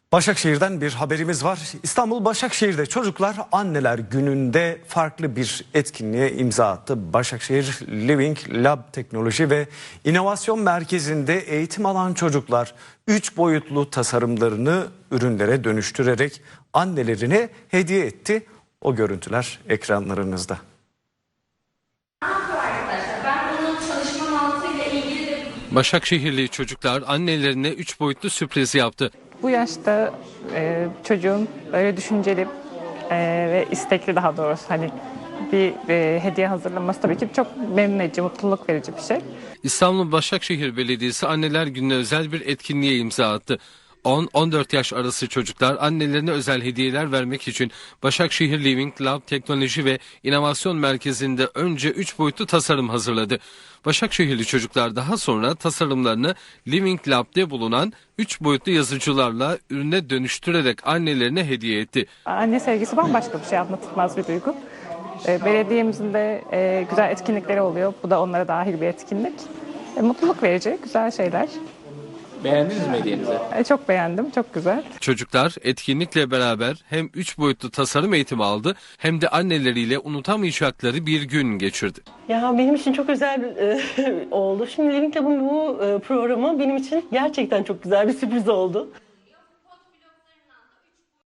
Başakşehir'den bir haberimiz var. İstanbul Başakşehir'de çocuklar Anneler Günü'nde farklı bir etkinliğe imza attı. Başakşehir Living Lab Teknoloji ve İnovasyon Merkezi'nde eğitim alan çocuklar 3 boyutlu tasarımlarını ürünlere dönüştürerek annelerine hediye etti. O görüntüler ekranlarınızda. Başakşehirli çocuklar annelerine 3 boyutlu sürpriz yaptı. Bu yaşta çocuğun böyle düşünceli ve istekli, daha doğrusu hani bir hediye hazırlaması tabii ki çok memnun edici, mutluluk verici bir şey. İstanbul Başakşehir Belediyesi Anneler Günü'ne özel bir etkinliğe imza attı. 10-14 yaş arası çocuklar annelerine özel hediyeler vermek için Başakşehir Living Lab Teknoloji ve İnovasyon Merkezi'nde önce 3 boyutlu tasarım hazırladı. Başakşehirli çocuklar daha sonra tasarımlarını Living Lab'de bulunan 3 boyutlu yazıcılarla ürüne dönüştürerek annelerine hediye etti. Anne sevgisi bambaşka bir şey, anlatılmaz bir duygu. Belediyemizin de güzel etkinlikleri oluyor. Bu da onlara dahil bir etkinlik. Mutluluk verici, güzel şeyler. Beğendiniz mi hediyenizi? Çok beğendim, çok güzel. Çocuklar etkinlikle beraber hem 3 boyutlu tasarım eğitimi aldı hem de anneleriyle unutamayacakları bir gün geçirdi. Ya benim için çok özel oldu. Şimdi Living Lab'ın bu programı benim için gerçekten çok güzel bir sürpriz oldu.